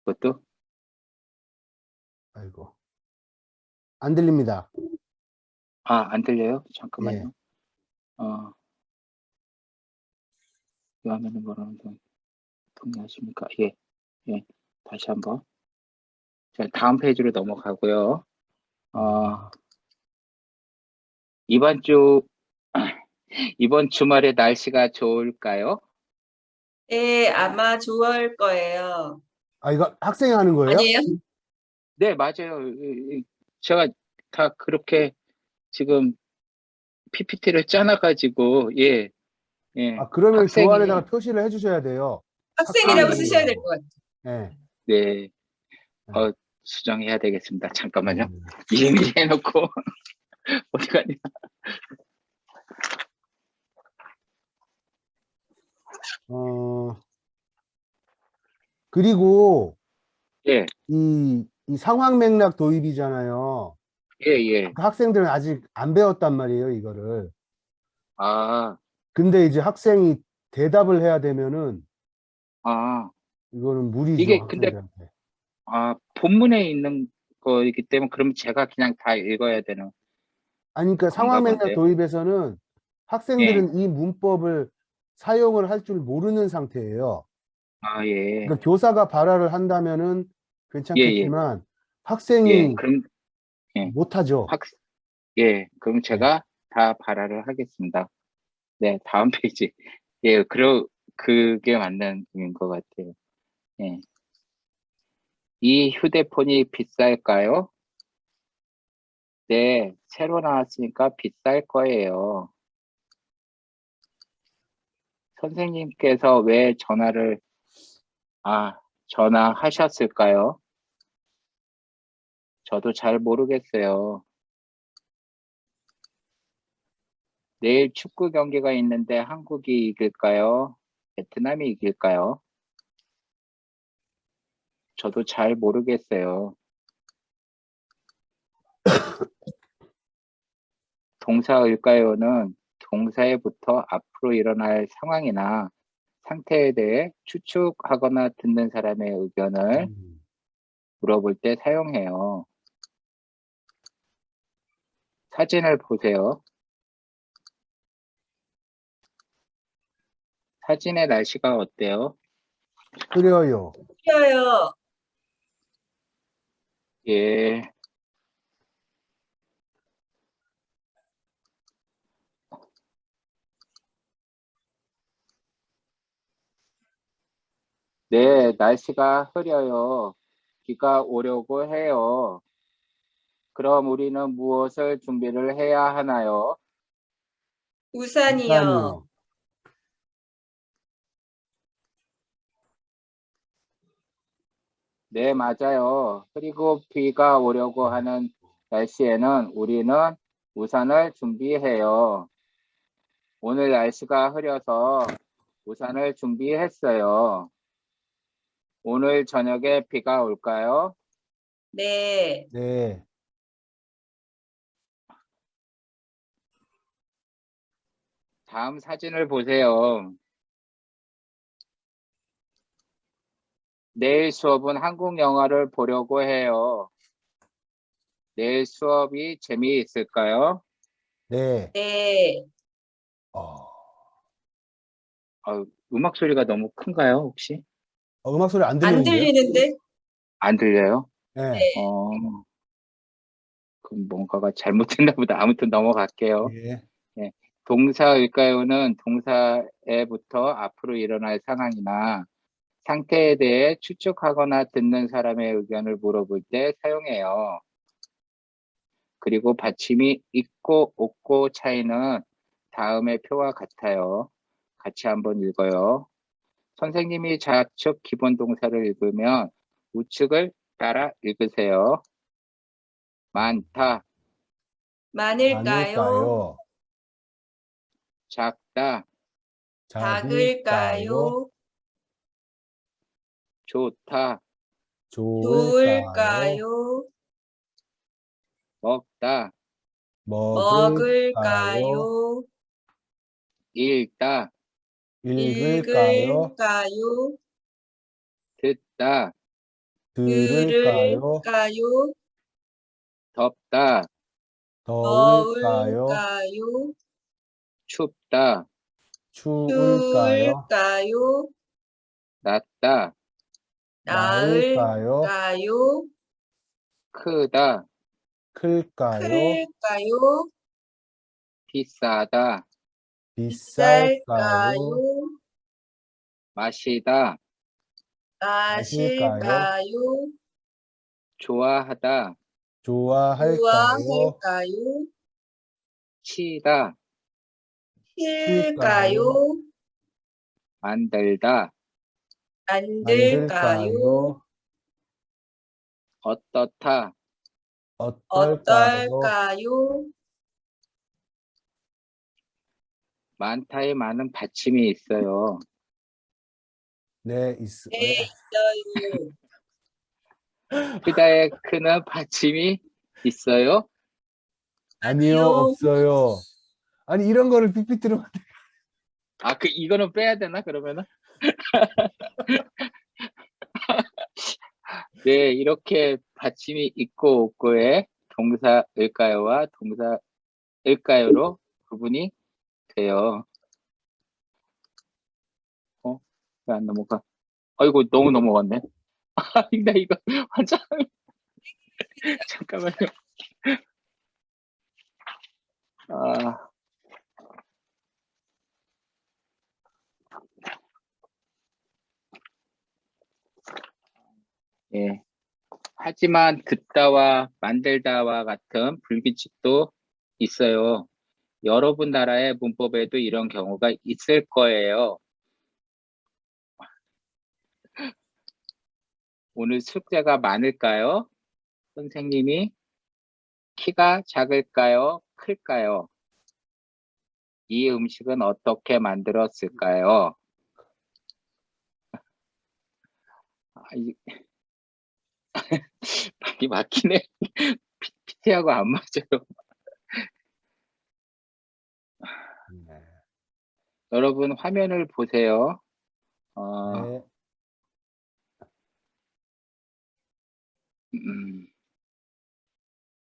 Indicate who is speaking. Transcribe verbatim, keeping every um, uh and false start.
Speaker 1: 그것도?
Speaker 2: 아이고. 안 들립니다.
Speaker 1: 아, 안 들려요?
Speaker 2: 예.
Speaker 1: 잠깐만요. 어, 이 화면은 뭐라는 건 동의하십니까? 예, 예. 다시 한번. 자, 다음 페이지로 넘어가고요. 어, 이번 주, 이번 주말에 날씨가 좋을까요?
Speaker 3: 네, 아마 좋을 거예요.
Speaker 2: 아, 이거 학생이 하는 거예요?
Speaker 3: 아니에요?
Speaker 1: 네, 맞아요. 이- 이- 제가 다 그렇게 지금 피피티를 짜놔가지고, 예, 예.
Speaker 2: 아, 그러면
Speaker 1: 학생이,
Speaker 2: 교환에다가 표시를 해주셔야 돼요.
Speaker 3: 학생이라고
Speaker 1: 아, 예.
Speaker 3: 쓰셔야 될 것 같아요.
Speaker 2: 예.
Speaker 1: 네, 어, 수정해야 되겠습니다. 잠깐만요.
Speaker 2: 음.
Speaker 1: 이미 해놓고, 어디 가냐.
Speaker 2: 어, 그리고
Speaker 1: 예,
Speaker 2: 이, 이 상황 맥락 도입이잖아요.
Speaker 1: 예, 예.
Speaker 2: 그러니까 학생들은 아직 안 배웠단 말이에요, 이거를.
Speaker 1: 아,
Speaker 2: 근데 이제 학생이 대답을 해야 되면은
Speaker 1: 아,
Speaker 2: 이거는 무리죠,
Speaker 1: 이게 근데,
Speaker 2: 학생들한테.
Speaker 1: 아, 본문에 있는 거이기 때문에 그러면 제가 그냥 다 읽어야 되는
Speaker 2: 아니, 그러니까
Speaker 1: 건가
Speaker 2: 상황 맥락
Speaker 1: 본데요?
Speaker 2: 도입에서는
Speaker 1: 예,
Speaker 2: 학생들은 이 문법을 사용을 할 줄 모르는 상태예요.
Speaker 1: 아, 예,
Speaker 2: 그러니까 교사가 발화를 한다면은
Speaker 1: 예, 예,
Speaker 2: 괜찮겠지만
Speaker 1: 예.
Speaker 2: 학생이
Speaker 1: 그럼, 예,
Speaker 2: 못하죠.
Speaker 1: 학, 예, 그럼
Speaker 2: 네.
Speaker 1: 제가 다 발화를 하겠습니다. 네, 다음 페이지. 예, 그러, 그게 맞는 것 같아요. 예. 이 휴대폰이 비쌀까요? 네, 새로 나왔으니까 비쌀 거예요. 선생님께서 왜 전화를, 아, 전화하셨을까요? 저도 잘 모르겠어요. 내일 축구 경기가 있는데 한국이 이길까요? 베트남이 이길까요? 저도 잘 모르겠어요. 동사일까요는 동사에부터 앞으로 일어날 상황이나 상태에 대해 추측하거나 듣는 사람의 의견을
Speaker 2: 음.
Speaker 1: 물어볼 때 사용해요. 사진을 보세요. 사진의 날씨가 어때요?
Speaker 2: 그래요.
Speaker 3: 쉬어요.
Speaker 1: 예. 네, 날씨가 흐려요. 비가 오려고 해요. 그럼 우리는 무엇을 준비를 해야 하나요?
Speaker 3: 우산이요.
Speaker 2: 우산이요.
Speaker 1: 네, 맞아요. 그리고 비가 오려고 하는 날씨에는 우리는 우산을 준비해요. 오늘 날씨가 흐려서 우산을 준비했어요. 오늘 저녁에 비가 올까요?
Speaker 3: 네.
Speaker 2: 네.
Speaker 1: 다음 사진을 보세요. 내일 수업은 한국 영화를 보려고 해요. 내일 수업이 재미있을까요?
Speaker 2: 네.
Speaker 3: 네.
Speaker 2: 어,
Speaker 1: 어, 음악 소리가 너무 큰가요, 혹시?
Speaker 2: 어, 음악 소리 안
Speaker 3: 안
Speaker 2: 들리는데요?
Speaker 3: 들리는데?
Speaker 1: 안 들려요?
Speaker 2: 네.
Speaker 1: 어, 그럼 뭔가가 잘못됐나 보다. 아무튼 넘어갈게요.
Speaker 2: 예.
Speaker 1: 예. 동사일까요는 동사에부터 앞으로 일어날 상황이나 상태에 대해 추측하거나 듣는 사람의 의견을 물어볼 때 사용해요. 그리고 받침이 있고 없고 차이는 다음의 표와 같아요. 같이 한번 읽어요. 선생님이 좌측 기본 동사를 읽으면 우측을 따라 읽으세요. 많다,
Speaker 3: 많을까요?
Speaker 2: 많을까요?
Speaker 1: 작다,
Speaker 2: 작을까요?
Speaker 3: 작을까요?
Speaker 1: 좋다,
Speaker 2: 좋을까요?
Speaker 3: 좋을까요?
Speaker 1: 먹다,
Speaker 2: 먹을까요?
Speaker 3: 먹을까요?
Speaker 1: 읽다,
Speaker 2: 읽을까요?
Speaker 3: 읽을까요?
Speaker 1: 듣다,
Speaker 2: 들을까요?
Speaker 3: 들을까요?
Speaker 1: 덥다,
Speaker 2: 더울까요?
Speaker 3: 더울까요?
Speaker 1: 춥다,
Speaker 2: 추울까요?
Speaker 3: 추울까요?
Speaker 1: 낮다,
Speaker 2: 나을까요?
Speaker 3: 나을까요?
Speaker 1: 크다,
Speaker 2: 클까요?
Speaker 3: 클까요?
Speaker 1: 비싸다,
Speaker 2: 비쌀까요?
Speaker 3: 비쌀까요?
Speaker 1: 마시다,
Speaker 2: 마실까요?
Speaker 3: 마실까요?
Speaker 1: 좋아하다,
Speaker 2: 좋아할까요?
Speaker 3: 좋아할까요?
Speaker 1: 치다,
Speaker 3: 힐까요?
Speaker 1: 만들다,
Speaker 3: 만들까요?
Speaker 2: 만들까요?
Speaker 1: 어떻다,
Speaker 2: 어떨까요?
Speaker 3: 어떨까요?
Speaker 1: 많다에 많은 받침이 있어요.
Speaker 2: 네, 있,
Speaker 3: 네,
Speaker 2: 왜?
Speaker 3: 있어요.
Speaker 1: 크다에 크는 받침이 있어요.
Speaker 2: 아니요,
Speaker 3: 아니요.
Speaker 2: 없어요. 아니, 이런 거를 삐삐뜨려.
Speaker 1: 아, 그 이거는 빼야 되나 그러면은? 네, 이렇게 받침이 있고 없고의 동사 을까요와 동사 을까요로 구분이 돼요. 어? 왜 안 넘어가? 아이고, 너무 넘어갔네. 아, 나 이거 완전 잠깐만요. 아, 예. 하지만 듣다와 만들다와 같은 불규칙도 있어요. 여러분 나라의 문법에도 이런 경우가 있을 거예요. 오늘 숙제가 많을까요? 선생님이 키가 작을까요? 클까요? 이 음식은 어떻게 만들었을까요? 아, 이, 이 막히네. 피티하고 안 맞아요.
Speaker 2: 네.
Speaker 1: 여러분 화면을 보세요. 어,
Speaker 2: 네.
Speaker 1: 음,